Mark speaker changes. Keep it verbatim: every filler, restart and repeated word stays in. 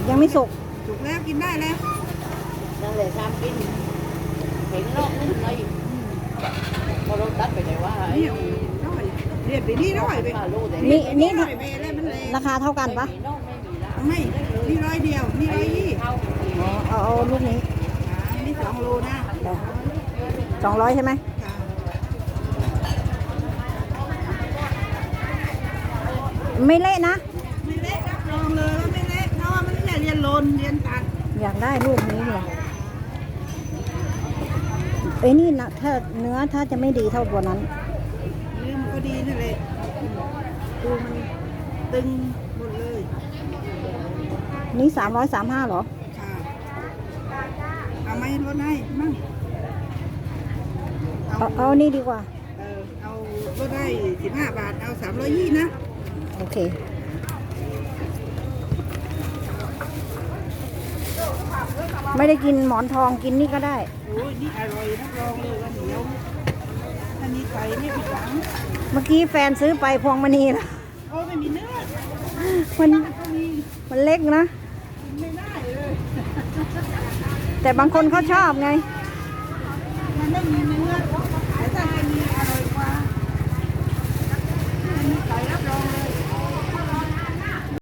Speaker 1: ยังไม่สุก
Speaker 2: สุกแล้วกินได้แล้ว
Speaker 3: นั่นเลยทำกินเห็นรอบนึงเลยพอเราตัดไปเลยว่าไอ้
Speaker 2: น้อยเรียนไปนี่น้อยไป
Speaker 1: นี่นี่
Speaker 2: น้อยไปอะไรมันแรง
Speaker 1: ราคาเท่ากันปะ
Speaker 2: ไม่นี่ร้อยเดียวนี่ร้อยยี่
Speaker 1: อ๋อเอาเอาลูกนี้
Speaker 2: นี่สองโลนะ
Speaker 1: สองร้อยใช่ไหมไม่เละนะ
Speaker 2: ไม่เละรับรองเลยว่าไม่เละเพราะว่ามันไม่เรียนโลนเรียนตัด
Speaker 1: อยากได้ลูกนี้เลยเอ้ยนี่นะถ้าเนื้อถ้าจะไม่ดีเท่าตัวนั้น
Speaker 2: เนื้อมันก็ดีนั่นแหละตัวมันตึงหมดเลย
Speaker 1: นี่สามร้อยสามห้าหรอ
Speaker 2: ค่ะเอาไหมลดให้มั่ง
Speaker 1: เอาเอานี่ดีกว่า
Speaker 2: เออเอาลดได้สิบห้าบาทเอาสามร้อยยี่นะ
Speaker 1: โอเคไม่ได้กินหมอนทองกินนี่ก็ได้
Speaker 2: โอ้ยนี่อร่อยรับรองเลยว่าเหนียวถ้ามีไก่ไม่ผิดหวัง
Speaker 1: เมื่อกี้แฟนซื้อไปพวงมณีนะ
Speaker 2: โอ้ไม่มีเนื้อ
Speaker 1: มันมันเล็กนะ
Speaker 2: ไม่ได้เลย
Speaker 1: แต่บางคนเขาชอบไง
Speaker 2: เ